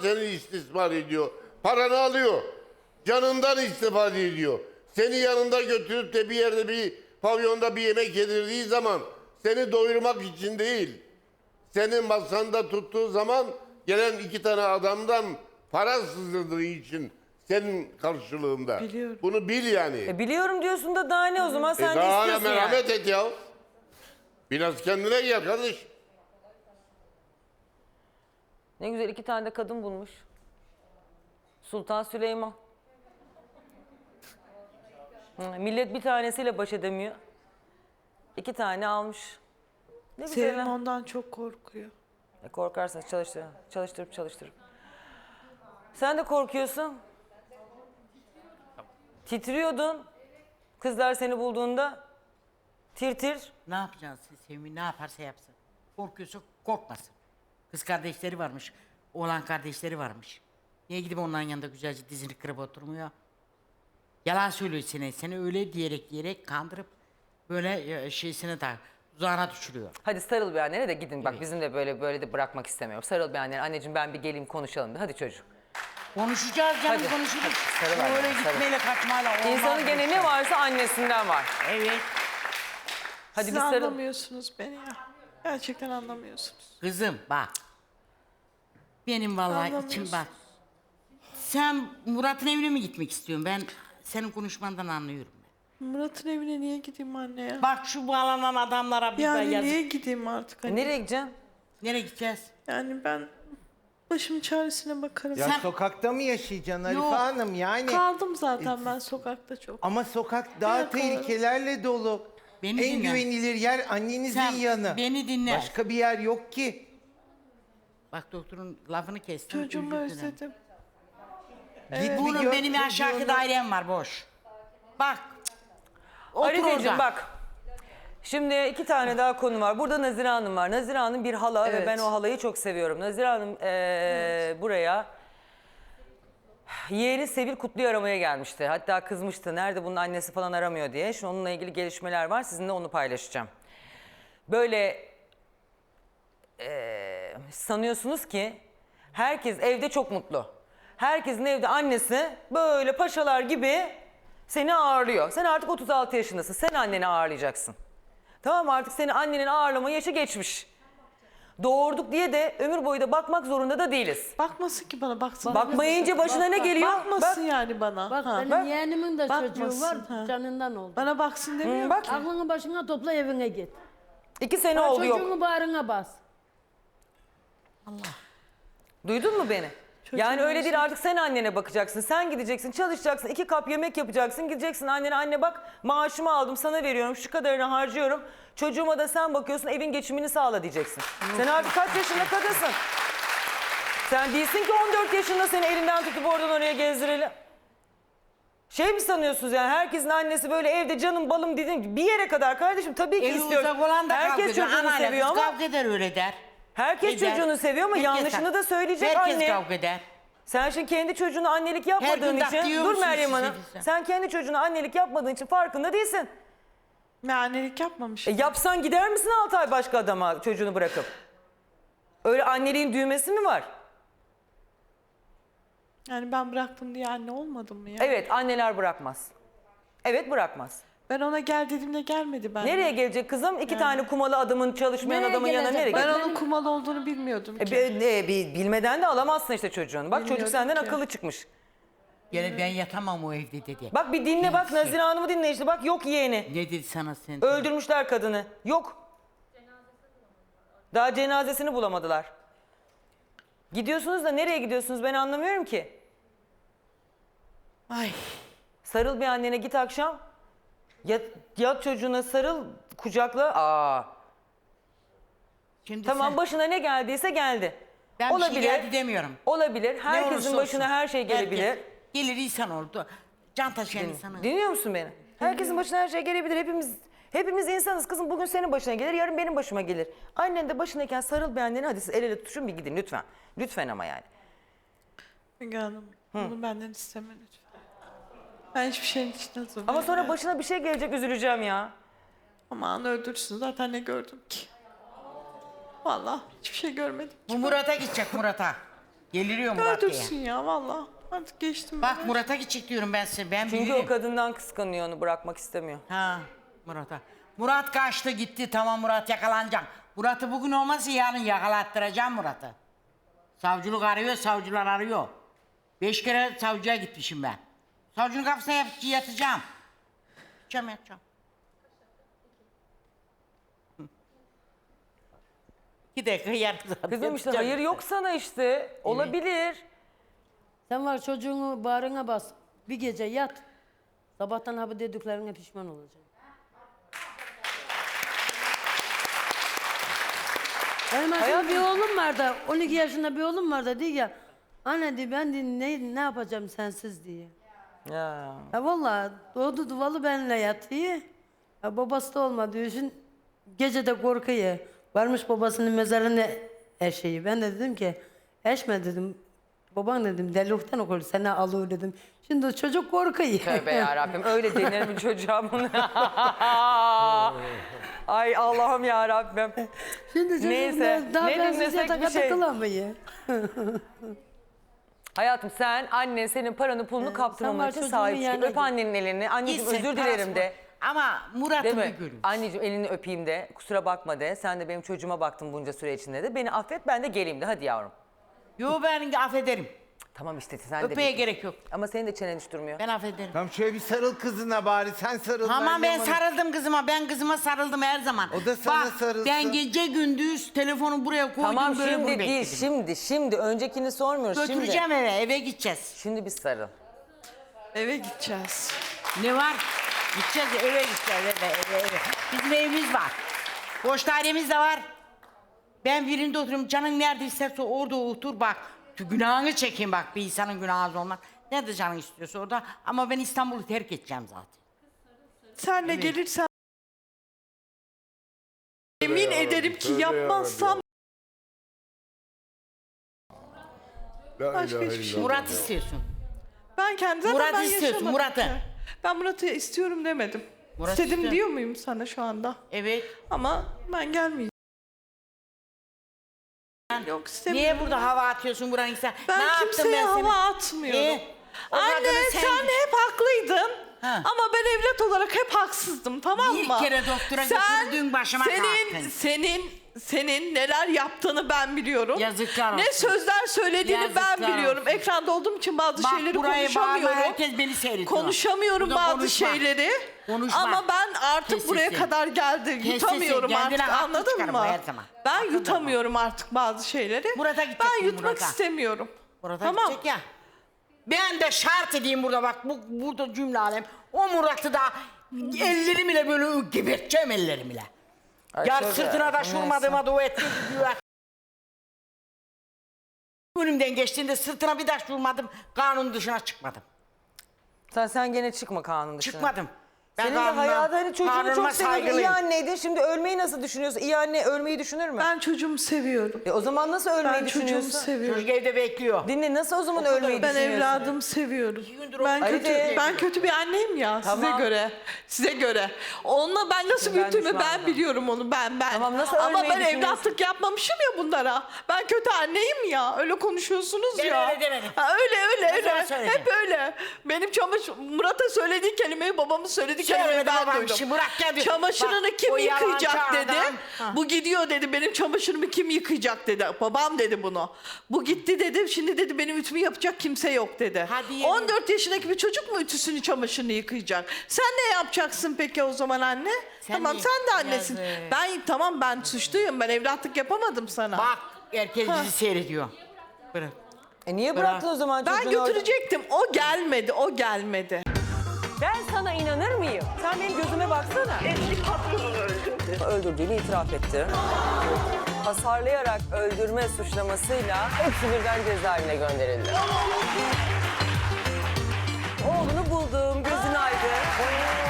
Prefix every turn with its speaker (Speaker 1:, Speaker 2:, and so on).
Speaker 1: seni istismar ediyor. Paranı alıyor. Canından istifade ediyor. Seni yanında götürüp de bir yerde bir pavyonda bir yemek yedirdiği zaman seni doyurmak için değil. Senin masanda tuttuğu zaman gelen 2 tane adamdan para sızdırdığı için senin karşılığında.
Speaker 2: Biliyorum.
Speaker 1: Bunu bil yani.
Speaker 3: Biliyorum diyorsun da daha ne o zaman sen de
Speaker 1: Daha hala
Speaker 3: istiyorsun yani.
Speaker 1: merhamet et ya. Biraz kendine gel kardeş.
Speaker 3: Ne güzel 2 tane de kadın bulmuş. Sultan Süleyman. Millet bir tanesiyle baş edemiyor. 2 tane almış. Ne güzel.
Speaker 2: Sevim
Speaker 3: ha.
Speaker 2: ondan çok korkuyor.
Speaker 3: Korkarsan çalıştırıp. Sen de korkuyorsun. Titriyordun. Kızlar seni bulduğunda. Tir.
Speaker 4: Ne yapacağız Sevim? Ne yaparsa yapsın. Korkuyorsa korkmasın. Kız kardeşleri varmış. Oğlan kardeşleri varmış. Niye gidip onların yanında güzelce dizini kırıp oturmuyor? Yalan söylüyor seni öyle diyerek kandırıp böyle şeysine tak, tuzağına düşürüyor.
Speaker 3: Hadi sarıl bir annene de gidin. Bak
Speaker 4: Evet.
Speaker 3: bizim de böyle de bırakmak istemiyorum. Sarıl bir annene. Anneciğim ben bir geleyim konuşalım da. Hadi çocuğum.
Speaker 4: Konuşacağız canım
Speaker 3: Hadi,
Speaker 4: konuşuruz.
Speaker 3: hadi, sarıl
Speaker 4: Böyle
Speaker 3: annene, sarıl.
Speaker 4: gitmeyle kaçmayla olmaz.
Speaker 3: İnsanın
Speaker 4: bu
Speaker 3: gene
Speaker 4: işler.
Speaker 3: ne varsa annesinden var.
Speaker 4: Evet.
Speaker 3: Hadi
Speaker 2: Siz
Speaker 3: bir sarıl.
Speaker 2: anlamıyorsunuz beni ya. Gerçekten anlamıyorsunuz.
Speaker 4: Kızım bak. Benim vallahi içim
Speaker 2: Anlamıyorsun.
Speaker 4: bak. Sen Murat'ın evine mi gitmek istiyorsun? Ben senin konuşmandan anlıyorum.
Speaker 2: Murat'ın evine niye gideyim anne ya?
Speaker 4: Bak şu bağlanan adamlara bir ben
Speaker 2: Yani
Speaker 4: yazık.
Speaker 2: niye gideyim artık hani?
Speaker 3: Nereye gideceksin?
Speaker 4: Nereye gideceğiz?
Speaker 2: Yani ben başımın çaresine bakarım.
Speaker 5: Ya
Speaker 4: Sen-
Speaker 5: sokakta mı yaşayacaksın Arife
Speaker 4: Yok.
Speaker 5: Hanım yani?
Speaker 2: Kaldım zaten ben sokakta çok.
Speaker 5: Ama sokak daha
Speaker 2: Evet,
Speaker 5: tehlikelerle dolu.
Speaker 4: Beni
Speaker 5: En
Speaker 4: dinle.
Speaker 5: güvenilir yer annenizin
Speaker 4: Sen
Speaker 5: yanı.
Speaker 4: beni dinle.
Speaker 5: Başka bir yer yok ki.
Speaker 4: Bak doktorun lafını kestim.
Speaker 2: Çocuğumu
Speaker 4: özür dilerim.
Speaker 2: özledim.
Speaker 5: Git bir
Speaker 4: Bunun
Speaker 5: gör
Speaker 4: benim aşağıki
Speaker 5: çocuğunu.
Speaker 4: dairem var boş. Bak. Otur
Speaker 3: Arifeciğim
Speaker 4: orada.
Speaker 3: bak. Şimdi 2 tane daha konu var. Burada Nazire Hanım var. Nazire Hanım bir hala ve
Speaker 2: Evet.
Speaker 3: ben o halayı çok seviyorum. Nazire Hanım buraya yeğeni Sevil Kutlu'yu aramaya gelmişti. Hatta kızmıştı. Nerede bunun annesi falan aramıyor diye. Şimdi onunla ilgili gelişmeler var. Sizinle onu paylaşacağım. Böyle sanıyorsunuz ki herkes evde çok mutlu. Herkesin evde annesi böyle paşalar gibi seni ağırlıyor. Sen artık 36 yaşındasın. Sen anneni ağırlayacaksın. Tamam mı? Artık seni annenin ağırlama yaşı geçmiş. Doğurduk diye de ömür boyu da bakmak zorunda da değiliz.
Speaker 2: Bakmasın ki bana baksın.
Speaker 3: Bakmayınca başına ne geliyor?
Speaker 2: Bakmasın
Speaker 3: Bak.
Speaker 2: yani bana.
Speaker 6: Bak
Speaker 2: Ha.
Speaker 6: benim yeğenimin de çocuğu
Speaker 2: Bakmasın,
Speaker 6: var,
Speaker 2: ha.
Speaker 6: canından oldu.
Speaker 2: Bana baksın demiyor.
Speaker 3: Bak
Speaker 6: Aklını başına topla evine git.
Speaker 3: 2 sene
Speaker 6: Ha,
Speaker 3: oldu yok.
Speaker 6: çocuğunu bağrına bas.
Speaker 3: Duydun mu beni? Yani
Speaker 2: Çocuğun
Speaker 3: öyle değil
Speaker 2: olsun.
Speaker 3: artık sen annene bakacaksın. Sen gideceksin çalışacaksın 2 kap yemek yapacaksın. Gideceksin annene anne bak maaşımı aldım sana veriyorum şu kadarını harcıyorum. Çocuğuma da sen bakıyorsun evin geçimini sağla diyeceksin. Sen artık kaç yaşında kadınsın? Sen değilsin ki 14 yaşında seni elinden tutup oradan oraya gezdirelim. Şey mi sanıyorsunuz yani herkesin annesi böyle evde canım balım dediğim gibi bir yere kadar kardeşim tabii ki
Speaker 4: Evi
Speaker 3: istiyoruz.
Speaker 4: uzak olan da kavga
Speaker 3: Herkes
Speaker 4: ediyor.
Speaker 3: çocuğunu
Speaker 4: Anayla
Speaker 3: seviyor
Speaker 4: kız
Speaker 3: ama
Speaker 4: kavga eder öyle der.
Speaker 3: herkes
Speaker 4: Eder.
Speaker 3: çocuğunu seviyor ama
Speaker 4: Herkes-
Speaker 3: yanlışını da söyleyecek
Speaker 4: Herkes
Speaker 3: anne.
Speaker 4: kavga eder.
Speaker 3: Sen şimdi kendi çocuğuna annelik
Speaker 4: Her
Speaker 3: yapmadığın
Speaker 4: gün
Speaker 3: için
Speaker 4: diyor
Speaker 3: dur
Speaker 4: musun
Speaker 3: Meryem
Speaker 4: siz
Speaker 3: Hanım.
Speaker 4: elbise?
Speaker 3: Sen kendi çocuğuna annelik yapmadığın için farkında değilsin.
Speaker 2: Ben annelik yapmamış.
Speaker 3: Yapsan gider misin 6 ay başka adama çocuğunu bırakıp? Öyle anneliğin düğmesi mi var?
Speaker 2: Yani ben bıraktım diye anne olmadım mı ya?
Speaker 3: Evet anneler bırakmaz. Evet bırakmaz.
Speaker 2: Ben ona gel dediğimde gelmedi ben.
Speaker 3: Nereye gelecek kızım? 2 tane kumalı adamın çalışmayan
Speaker 6: Nereye
Speaker 3: adamın yanına
Speaker 6: gelecek?
Speaker 3: nereye
Speaker 2: Ben
Speaker 3: gelecek?
Speaker 2: onun kumalı olduğunu bilmiyordum ki.
Speaker 3: Bilmeden de alamazsın işte çocuğunu. Bak çocuk
Speaker 2: Bilmiyordum
Speaker 3: senden
Speaker 2: ki.
Speaker 3: akıllı çıkmış.
Speaker 4: Gene ben yatamam o evde dedi.
Speaker 3: Bak bir dinle bak Nazire Hanım'ı dinle işte. Bak yok yeğeni.
Speaker 4: Ne dedi sana sen?
Speaker 3: Öldürmüşler kadını. Yok. Daha cenazesini bulamadılar. Gidiyorsunuz da nereye gidiyorsunuz ben anlamıyorum ki.
Speaker 2: Ay.
Speaker 3: Sarıl bir annene git akşam. Yat çocuğuna sarıl kucakla. Aa.
Speaker 4: Şimdi
Speaker 3: Tamam
Speaker 4: sen-
Speaker 3: başına ne geldiyse geldi.
Speaker 4: ben bir şey geldi demiyorum.
Speaker 3: Olabilir.
Speaker 4: Ne
Speaker 3: Herkesin
Speaker 4: olursa
Speaker 3: başına
Speaker 4: olsun.
Speaker 3: her şey gelebilir.
Speaker 4: Herkes gelir insan oldu. Can taşıyan insanı.
Speaker 3: Dinliyor musun beni? Herkesin başına her şey gelebilir. Hepimiz insanız kızım. Bugün senin başına gelir, yarın benim başıma gelir. Annen de başındayken sarıl bir annene. Hadi siz el ele tutuşun bir gidin lütfen. Lütfen ama yani.
Speaker 2: Müge Hanım, bunu benden isteme lütfen. Ben hiçbir şeyin için hazır
Speaker 3: Ama
Speaker 2: değilim
Speaker 3: sonra
Speaker 2: ya.
Speaker 3: başına bir şey gelecek üzüleceğim ya.
Speaker 2: Aman öldürsün zaten ne gördüm ki. Vallahi hiçbir şey görmedim.
Speaker 4: Bu Murat'a gidecek Murat'a. Geliriyor Murat diye.
Speaker 2: Öldürsün ya valla. Artık geçtim.
Speaker 4: Bak Murat'a gidecek diyorum ben size. Ben
Speaker 3: Çünkü
Speaker 4: bilirim.
Speaker 3: o kadından kıskanıyor, onu bırakmak istemiyor.
Speaker 4: Ha Murat'a. Murat kaçtı gitti, tamam Murat yakalanacak. Murat'ı bugün olmazsa yarın yakalattıracağım Murat'ı. Savcılık arıyor, savcılar arıyor. 5 kere savcıya gitmişim ben. Savcının kapısına yatacağım. Yatacağım. 2 dakika yarım saat
Speaker 3: Kızım işte
Speaker 4: yatacağım.
Speaker 3: hayır yok sana işte. Olabilir.
Speaker 6: Sen var çocuğunu bağrına bas. Bir gece yat. Sabahtan abi dediklerine pişman olacaksın. Benim aslında bir oğlum var da 12 yaşında bir oğlum var da diyor ya. Anne diyor ben diyor, ne yapacağım sensiz diye.
Speaker 3: Ya.
Speaker 6: Ya vallahi doğdu duvalı benimle yatıyor. Ya babası da olmadığı için gece de korkuyor. Varmış babasının mezarına eşeği. Ben de dedim ki eşme dedim. Baban dedim delilikten okur seni alıyor dedim. Şimdi o çocuk korkuyor.
Speaker 3: Tövbe yarabbim öyle denir mi çocuğa bunu? Ay Allah'ım yarabbim.
Speaker 6: Şimdi çocuk
Speaker 3: Neyse,
Speaker 6: daha
Speaker 3: ne
Speaker 6: bensiz
Speaker 3: dinlesek
Speaker 6: yataka
Speaker 3: bir şey.
Speaker 6: takılamıyor.
Speaker 3: Hayatım sen annen senin paranı pulunu kaptırmaman
Speaker 6: var
Speaker 3: için
Speaker 6: çocuğun
Speaker 3: sahip çık.
Speaker 6: yanına
Speaker 3: Öp
Speaker 6: git.
Speaker 3: annenin elini. Anneciğim
Speaker 4: Gitsin,
Speaker 3: özür
Speaker 4: parası
Speaker 3: dilerim
Speaker 4: var.
Speaker 3: de.
Speaker 4: Ama
Speaker 3: Değil
Speaker 4: Murat'ı bir
Speaker 3: mi?
Speaker 4: görün.
Speaker 3: Anneciğim elini öpeyim de. Kusura bakma de. Sen de benim çocuğuma baktın bunca süre içinde de. Beni affet ben de geleyim de. Hadi yavrum.
Speaker 4: Yo ben affederim.
Speaker 3: Tamam işte sen de.
Speaker 4: Öpmeye
Speaker 3: git.
Speaker 4: gerek yok.
Speaker 3: Ama senin de çenen hiç durmuyor.
Speaker 4: Ben affederim.
Speaker 5: Tamam şöyle bir sarıl kızına bari. Sen sarıl.
Speaker 4: Tamam ben
Speaker 5: yanına-
Speaker 4: sarıldım kızıma. Ben kızıma sarıldım her zaman.
Speaker 5: O da sana
Speaker 4: Bak,
Speaker 5: sarılsın.
Speaker 4: ben gece gündüz telefonu buraya koydum.
Speaker 3: Tamam
Speaker 4: böyle bunu
Speaker 3: şimdi değil.
Speaker 4: bekledim.
Speaker 3: Şimdi. Öncekini sormuyoruz.
Speaker 4: Götüreceğim
Speaker 3: Şimdi.
Speaker 4: eve gideceğiz.
Speaker 3: Şimdi bir sarıl.
Speaker 2: Eve gideceğiz.
Speaker 4: Ne var? Gideceğiz eve gideceğiz eve. Bizim evimiz var. Boş dairemiz de var. Ben birinde oturuyorum. Canın nerede isterse orada otur bak. Şu günahını çekeyim bak. Bir insanın günahı olmaz. Nerede canın istiyorsa orada. Ama ben İstanbul'u terk edeceğim zaten.
Speaker 2: Sen de gelirsen yemin ederim ki yapmazsam
Speaker 1: La
Speaker 2: Başka
Speaker 1: ilahe
Speaker 2: hiçbir şey
Speaker 1: illallah.
Speaker 4: Murat istiyorsun.
Speaker 2: ben kendi zaten
Speaker 4: Murat'ı
Speaker 2: ben
Speaker 4: istiyorsun,
Speaker 2: yaşamadım
Speaker 4: Murat'ı.
Speaker 2: ki. Ben Murat'ı istiyorum demedim.
Speaker 4: Murat
Speaker 2: İstedim
Speaker 4: istiyor.
Speaker 2: diyor muyum sana şu anda?
Speaker 4: Evet.
Speaker 2: Ama ben gelmeyeceğim. Yok istemiyorum.
Speaker 4: Niye burada hava atıyorsun buranın insan?
Speaker 2: Ben
Speaker 4: ne yaptım
Speaker 2: kimseye
Speaker 4: ben seni?
Speaker 2: hava atmıyorum.
Speaker 4: O
Speaker 2: Anne
Speaker 4: kadını
Speaker 2: sen hep haklıydın.
Speaker 4: Ha.
Speaker 2: Ama ben evlat olarak hep haksızdım tamam
Speaker 4: Bir
Speaker 2: mı?
Speaker 4: kere doktora
Speaker 2: Sen-
Speaker 4: götürdün, başıma kalktın.
Speaker 2: Senin neler yaptığını ben biliyorum.
Speaker 4: Yazıklar
Speaker 2: Ne
Speaker 4: olsun.
Speaker 2: sözler söylediğini ben
Speaker 4: Yazıklar
Speaker 2: biliyorum.
Speaker 4: olsun.
Speaker 2: Ekranda olduğum için bazı
Speaker 4: Bak
Speaker 2: şeyleri
Speaker 4: buraya bağırma,
Speaker 2: konuşamıyorum.
Speaker 4: herkes beni seyrediyor.
Speaker 2: Konuşamıyorum
Speaker 4: Burada
Speaker 2: bazı
Speaker 4: konuşma.
Speaker 2: şeyleri.
Speaker 4: Konuşma.
Speaker 2: Ama ben artık
Speaker 4: Kes
Speaker 2: buraya
Speaker 4: sesini.
Speaker 2: kadar geldim.
Speaker 4: Kes
Speaker 2: Yutamıyorum
Speaker 4: sesini, kendine
Speaker 2: artık
Speaker 4: haklı
Speaker 2: anladın
Speaker 4: çıkarım
Speaker 2: mı?
Speaker 4: her zaman.
Speaker 2: Ben
Speaker 4: Hakkındır
Speaker 2: yutamıyorum artık bazı şeyleri.
Speaker 4: Murat'a gideceksin,
Speaker 2: Ben yutmak
Speaker 4: Murat'a.
Speaker 2: istemiyorum.
Speaker 4: Murat'a
Speaker 2: tamam.
Speaker 4: gidecek ya. Ben de şart edeyim burada bak burada cümle alem. O Murat'ı da ellerimle böyle geberteceğim ellerimle.
Speaker 3: Ay,
Speaker 4: Yar
Speaker 3: tövbe
Speaker 4: sırtına
Speaker 3: yarabbim,
Speaker 4: taş vurmadığıma dua ettim diyor. Önümden geçtiğinde sırtına bir taş vurmadım. Kanun dışına çıkmadım.
Speaker 3: Sen gene çıkma kanun dışına.
Speaker 4: Çıkmadım. Ben
Speaker 3: Senin de
Speaker 4: kanunuma-
Speaker 3: hayatı hani çocuğunu
Speaker 4: kanunuma
Speaker 3: çok seviyordun. İyi
Speaker 4: saygılıyım.
Speaker 3: anneydin. Şimdi ölmeyi nasıl düşünüyorsun? İyi anne ölmeyi düşünür mü?
Speaker 2: Ben çocuğumu seviyorum.
Speaker 3: O zaman nasıl ölmeyi
Speaker 2: Ben çocuğumu
Speaker 3: düşünüyorsun?
Speaker 2: seviyorum.
Speaker 4: Çocuk evde bekliyor.
Speaker 3: Dinle nasıl o zaman ölmeyi
Speaker 2: Ben
Speaker 3: düşünüyorsun?
Speaker 2: evladımı seviyorum.
Speaker 4: gündür
Speaker 2: Ben
Speaker 4: o-
Speaker 2: kötü
Speaker 3: Hadi.
Speaker 2: ben kötü bir anneyim ya
Speaker 3: Tamam.
Speaker 2: size göre. Size göre. Onunla ben nasıl
Speaker 3: Ben
Speaker 2: büyüttüğümü ben
Speaker 3: düşmanım.
Speaker 2: biliyorum onu ben.
Speaker 3: Tamam, nasıl
Speaker 2: Ama
Speaker 3: ölmeyi
Speaker 2: ben
Speaker 3: düşünüyorsun?
Speaker 2: evlatlık yapmamışım ya bunlara. Ben kötü anneyim ya. Öyle konuşuyorsunuz
Speaker 4: Ben
Speaker 2: ya.
Speaker 4: öyle demedim.
Speaker 2: Ha, öyle
Speaker 4: Ben sana söyledim.
Speaker 2: Hep öyle. Benim Murat'a söylediği kelimeyi babamın söylediği kelimeyi
Speaker 4: Söylemedim
Speaker 2: ben
Speaker 4: babam,
Speaker 2: duydum.
Speaker 4: şimdi Murat geldi.
Speaker 2: Çamaşırını
Speaker 4: Bak,
Speaker 2: kim
Speaker 4: o yalancı
Speaker 2: yıkayacak dedi.
Speaker 4: adam. Ha.
Speaker 2: Bu gidiyor dedi. Benim çamaşırımı kim yıkayacak dedi. Babam dedi bunu. Bu gitti dedi. Şimdi dedi benim ütümü yapacak kimse yok dedi.
Speaker 4: Hadi yemin.
Speaker 2: 14 yaşındaki bir çocuk mu ütüsünü çamaşırını yıkayacak? Sen ne yapacaksın peki o zaman anne?
Speaker 4: Sen
Speaker 2: tamam
Speaker 4: de-
Speaker 2: sen de annesin.
Speaker 4: Yazık.
Speaker 2: Ben suçluyum. Ben evlatlık yapamadım sana.
Speaker 4: Bak herkes bizi seyrediyor. Bırak.
Speaker 3: Niye bıraktın o zaman
Speaker 2: Ben
Speaker 3: çocuğunu orada?
Speaker 2: götürecektim. O gelmedi.
Speaker 3: Ben sana inanır mıyım? Sen benim gözüme baksana.
Speaker 7: Eski patronunu öldürdü.
Speaker 3: Öldürdüğünü itiraf etti. Hasarlayarak öldürme suçlamasıyla hepsi birden cezaevine gönderildi. Oğlunu buldum, gözün aydın.